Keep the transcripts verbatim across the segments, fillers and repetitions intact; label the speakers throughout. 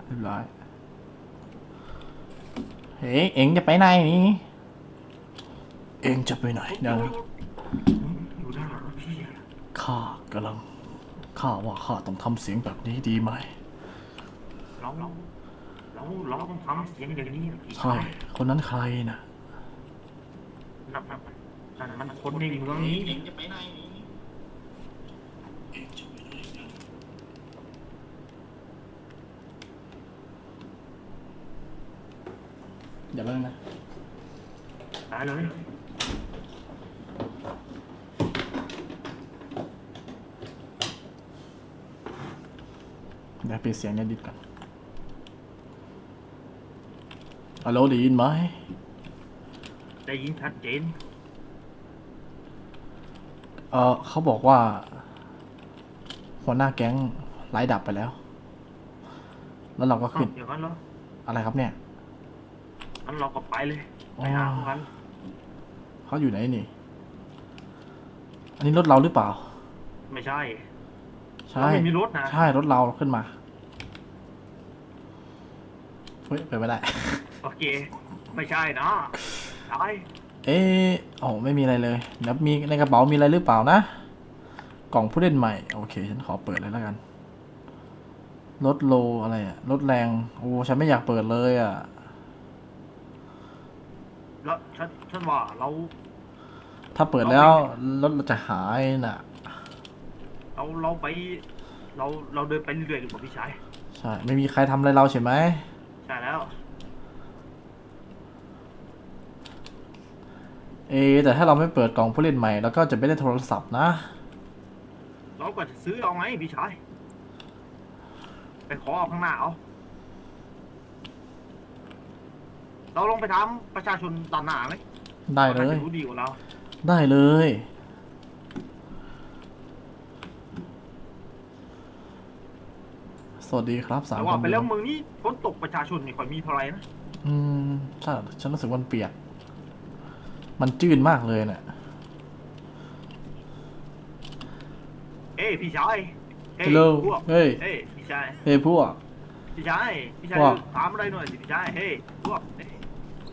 Speaker 1: เรียบร้อยเฮ้ยเอ็งจะไปไหนนี่เอ็งจะไปไหนนะ
Speaker 2: อยู่ด้านหลังพี่อะ
Speaker 1: ข้ากำลังข้าว่าข้าต้องทำเสียงแบบนี้ดีไหม
Speaker 2: เราเราเราเราต้องทำเสียงอย่างนี้พี่
Speaker 1: ใช่คนนั้นใครนะ
Speaker 2: นั่นนั่นนั่นมันคนในเมืองนี้จะไปไหน
Speaker 1: เดี๋ยวแป๊บนึงนะ
Speaker 2: ตายเลย
Speaker 1: เดี๋ยวปิดเสียงในดิสก่อนฮัลโหลได้ยินไหม
Speaker 2: ได้ยินชัดเจน
Speaker 1: เออเขาบอกว่าหัวหน้าแก๊งไล่ดับไปแล้วแล้วเราก็ขึ้น
Speaker 2: อย่างนั้นเหรอ
Speaker 1: อะไรครับเนี่ย
Speaker 2: งั้นเราก็ไปเลยไปหาเขากัน
Speaker 1: เขาอยู่ไหนนี่อันนี้รถเราหรือเปล่า
Speaker 2: ไม่ใช่
Speaker 1: ใช่
Speaker 2: เราไม่มีรถนะ
Speaker 1: ใช่รถเราขึ้นมาเฮ้ยไปไม่ได้
Speaker 2: โอเคไม่ใช่นะตาย
Speaker 1: เอ๊ะโอ้ไม่มีอะไรเลยแล้วมีในกระเป๋ามีอะไรหรือเปล่านะกล่องผู้เล่นใหม่โอเคฉันขอเปิดเลยแล้วกันรถโลอะไรอะรถแรงโอ้ฉันไม่อยากเปิดเลยอะ
Speaker 2: แล้วฉันฉันว่าเรา
Speaker 1: ถ้าเปิดแล้วรถเราจะหายน่ะ
Speaker 2: เราเราไป เราเราเดินไปเรื่อยๆดีกว่าพี่ชาย
Speaker 1: ใช่ไม่มีใครทำอะไรเราใช่ไหม
Speaker 2: ใช่แล้ว
Speaker 1: เอะแต่ถ้าเราไม่เปิดกล่องผู้เล่นใหม่เราก็จะไม่ได้โทรศัพท์นะ
Speaker 2: เราก็จะซื้อเอาไงพี่ชายไปขอเอาข้างหน้าเอาเราลองไปถามประชาชนด้านหน้าไหม
Speaker 1: ได้เล
Speaker 2: ขาย จะรู้ดีกว่าเรา
Speaker 1: ได้เลยสวัสดีครับสาม
Speaker 2: แต่
Speaker 1: ค
Speaker 2: ว่าน ไปแล้ว
Speaker 1: ดู
Speaker 2: เมืองนี้ฝนตกประชาชนนี่ค่อยมีเท่าไหร่นะ
Speaker 1: อืมใช่ฉันรู้สึกมันเปียกมันจืดมากเลยเนี่ย
Speaker 2: เอ้ยพี่ชายเฮ้ย
Speaker 1: ฮัลโหล
Speaker 2: พวก
Speaker 1: เฮ้ย
Speaker 2: เฮ้ยพี่ชาย
Speaker 1: เฮ้ยพวก
Speaker 2: พี่ชายพี่ชาย
Speaker 1: พวก
Speaker 2: ถามอะไรหน่อยสิพี่ชายเฮ้ยพวกเฮ้ย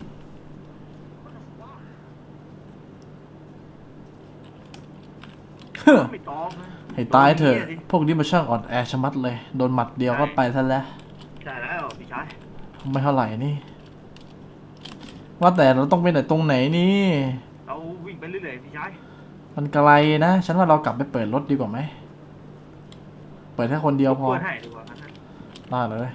Speaker 1: เฮ้อ
Speaker 2: ไม่ตอบนะ
Speaker 1: ให้ตายเถอะ
Speaker 2: โดนนี่ยสิ
Speaker 1: พวกนี้มันช่างอ่อนแอชะมัดเลยโดนหมัดเดียวก็ไปซะแล้ว
Speaker 2: ใช่แล้วพี่ชาย
Speaker 1: ไม่เท่าไหร่นี่ ว่าแต่เราต้องไปไหนตรงไหนนี่
Speaker 2: เราวิ่งไปเรื่อยๆพี่ชาย
Speaker 1: มันไกลนะ ฉันว่าเรากลับไปเปิดรถดีกว่าไหม เปิดแค่คนเดียวพอ
Speaker 2: เปิดให้ดีกว่างั้นนะ
Speaker 1: ได้เลย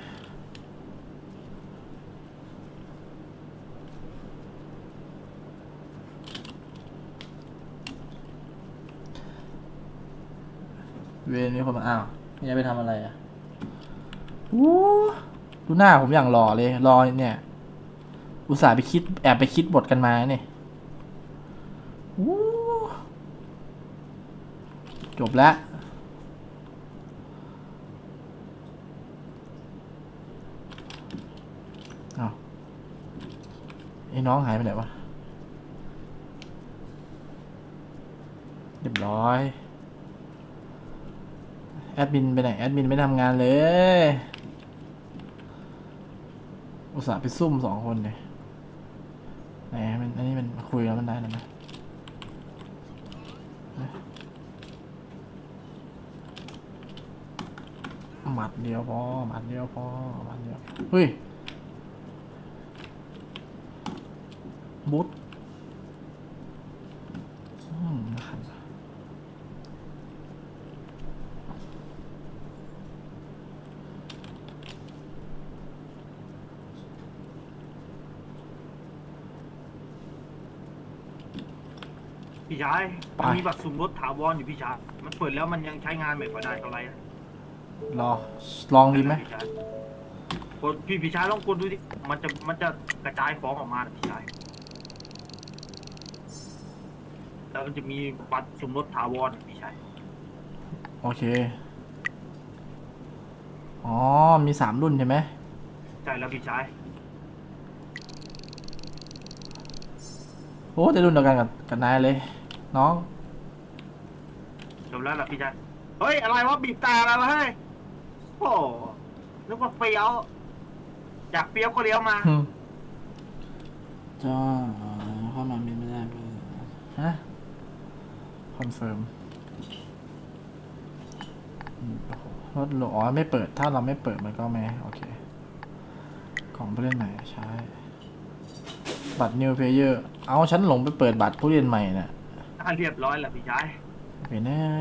Speaker 1: เวรนี้คนมาอ้าวนี่จะไปทำอะไรอ่ะอู้ดูหน้าผมอย่างหล่อเลย รอเนี่ย อุตส่าห์ไปคิดแอบไปคิดบทกันมาเนี่ยอู้จบแล้วอ้าวไอ้น้องหายไปไหนวะเรียบร้อยแอดมินไปไหนแอดมินไม่ทำงานเลยอุตส่าห์ไปซุ่มสองคนเลยไหนมันอันนี้มันคุยแล้วมันได้แล้วไหมหมัดเดียวพอหมัดเดียวพอหมัดเดียวเฮ้ยบุ๊ทอืมนะครับ
Speaker 2: พี่ชาย
Speaker 1: ไป
Speaker 2: มันมีบัตรสุ่มรถถาวรอยู่พี่ชายมันเปิดแล้วมันยังใช้งานไม่ค่อยได้เท่าไหร่นะ
Speaker 1: รอลองดีไหม
Speaker 2: พี่ชายกดพี่พี่ชายลองกดดูดิมันจะมันจะกระจายของออกมานะพี่ชายแล้วมันจะมีบัตรสุ่มรถถาวรพี่ชาย
Speaker 1: โอเคอ๋อมีสามรุ่นใช่ไหม
Speaker 2: ใช่แล้วพี่ชาย
Speaker 1: โอ้แต่รุ่นเดียวกันกับกับนายเลย น้อง
Speaker 2: จบแล้วล่ะพี่ชายเฮ้ยอะไรวะบีบแต่อะไรวะเฮ้ยโอ้นึกว่าเฟี้ยวอยากเปรี้ยวก็เลี้ยวมา
Speaker 1: อืมจ้าเข้ามาบินไม่ได้ฮะคอนเฟิร์มรถหลอ๋อไม่เปิดถ้าเราไม่เปิดมันก็ไม่โอเคของผู้เล่นใหม่ใช้บัตร New Player เอาฉันหลงไปเปิดบัตรผู้เล่นใหม่น่ะ
Speaker 2: ถ้าเรียบร้อยแล้วพี่ชาย
Speaker 1: ไปแน่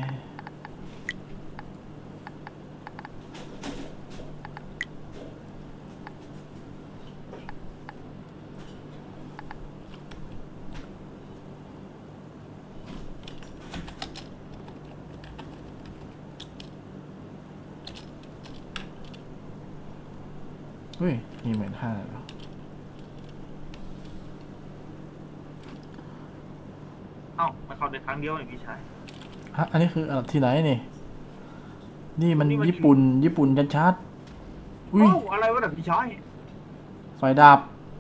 Speaker 1: อุ้ยมีหมื่นห้าแล้ว
Speaker 2: เอ้ามันเข้าได้ครั้งเดียวนี่พี่ชาย
Speaker 1: ฮะอันนี้คืออะไรที่ไหนนี่ นี่มัน
Speaker 2: นี่มัน
Speaker 1: ญี่ปุ่น ญี่ปุ่นชัดๆอุ้ย
Speaker 2: โอ้อะไรวะเนี่ยพี่ชาย
Speaker 1: ไฟดับ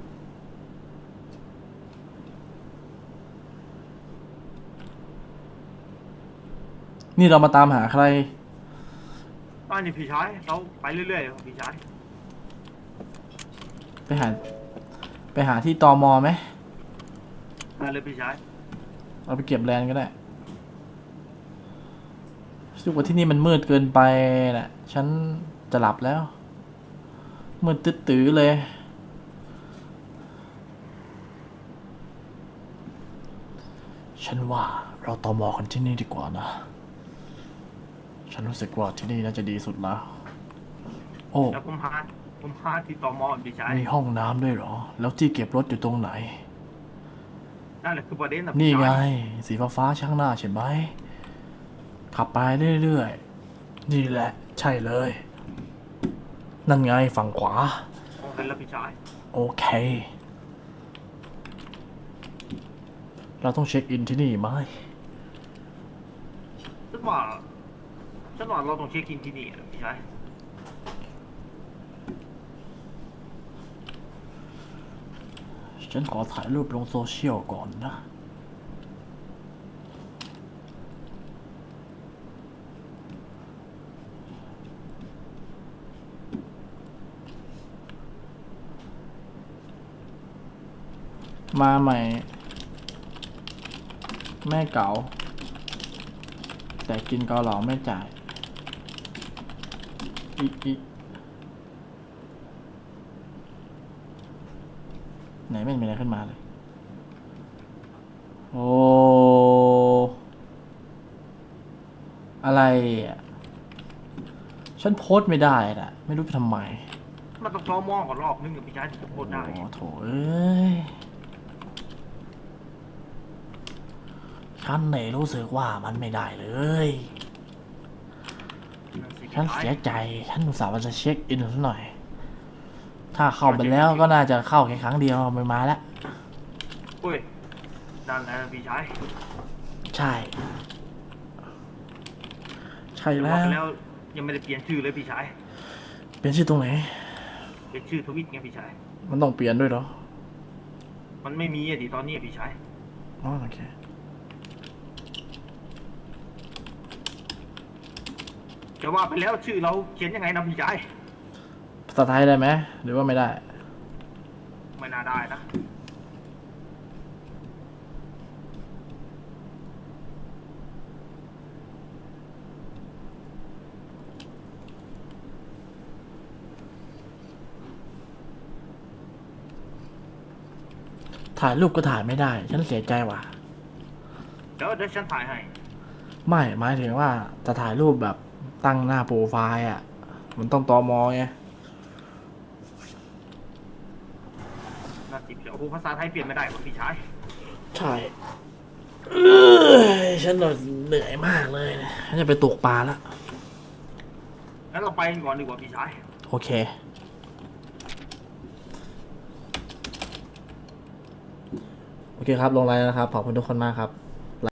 Speaker 1: นี่เรามาตามหาใคร
Speaker 2: ตอนนี้พี่ชายเราไปเรื่อยๆพี่ชาย
Speaker 1: ไปหา ไปหาที่ตมไหม
Speaker 2: มาเลยพี่ชาย
Speaker 1: เราไปเก็บแลนด์ก็ได้รู้สึกว่าที่นี่มันมืดเกินไปแหละฉันจะหลับแล้ว มืดตื้อๆเลย ฉันว่าเราตมกันที่นี่ดีกว่านะ ฉันรู้สึกว่าที่นี่น่าจะดีสุดแล้ว โอ้
Speaker 2: แล้วผมพาผมพาที่ตมพี่ชาย
Speaker 1: มีห้องน้ำด้วยเหรอ แล้วที่เก็บรถอยู่ตรงไหน
Speaker 2: นั่นแหละคือประเด็นนะ
Speaker 1: นี่
Speaker 2: พี่
Speaker 1: ไง
Speaker 2: ชาย
Speaker 1: สีฟ้าฟ้าๆช่างหน้าใช่ไหม ขับไปเรื่อยๆ นี่แหละ ใช่เลย นั่นไงฝั่งขวา
Speaker 2: โอเคแล้วพี่ชาย
Speaker 1: โอเค เราต้องเช็คอินที่นี่ไหม
Speaker 2: ฉันว่าฉันว่าเราต้องเช็คอินที่นี่นะพี่ชาย
Speaker 1: ฉันขอถ่ายรูปลงโซเชียลก่อนนะ มาใหม่ แม่เก๋า แต่กินเกาเหลาไม่จ่าย อีอีไหนไม่มีอะไรขึ้นมาเลย โอ้ อะไรอ่ะ ฉันโพสต์ไม่ได้น่ะ ไม่รู้ไปทำไม
Speaker 2: มันต้องตมก่อนรอบนึงกับพี่ชายถึงจะโคตรได้
Speaker 1: โอ้โถเอ้ย ฉันเนี่ยรู้สึกว่ามันไม่ได้เลย
Speaker 2: นั่นสิ
Speaker 1: ฉัน
Speaker 2: พี่ชาย
Speaker 1: เสียใจ ฉันอุตส่าห์ว่าจะเช็คอินสักหน่อย ถ้าเข้าไปแล้วก็น่าจะเข้าแค่ครั้งเดียวไม่มาแล้ว
Speaker 2: อุ้ยนั่นแหละพี่ชาย
Speaker 1: ใช่ ใช่
Speaker 2: แต่
Speaker 1: แล้
Speaker 2: ว่าว ไปแล้วยังไม่ได้เปลี่ยนชื่อเลยพี่ชาย
Speaker 1: เป็นชื่อตรงไหน
Speaker 2: เป็นชื่อทวิตไงพี่ชาย
Speaker 1: มันต้องเปลี่ยนด้วยเหรอ
Speaker 2: มันไม่มีอะดิตอนนี้อะพี่ชาย
Speaker 1: อ๋อโอเค
Speaker 2: แต่ว่าไปแล้วชื่อเราเขียนยังไงนะพี่ชาย
Speaker 1: ภาษาไทยได้ไหม หรือว่าไม่ได้
Speaker 2: ไม่น่าได้นะ
Speaker 1: ถ่ายรูปก็ถ่ายไม่ได้ ฉันเสียใจว่ะ
Speaker 2: เดี๋ยวเดี๋ยวฉันถ่ายให้
Speaker 1: ไม่ หมายถึงว่าจะถ่ายรูปแบบตั้งหน้าโปรไฟล์อ่ะ มันต้องตมไง
Speaker 2: น่าสิเดี๋ยวโอ้โหภาษาไทยเปลี่ยนไม่ได้ว่ะพี่ชาย
Speaker 1: ใช่เอ้ยฉันเหนื่อยมากเลยนะฉันจะไปตกปลาแล้ว
Speaker 2: งั้นเราไปกันก่อนดีกว่าพี่ชาย
Speaker 1: โอเค โอเคครับ ลงไลน์แล้วนะครับ ขอบคุณทุกคนมากครับ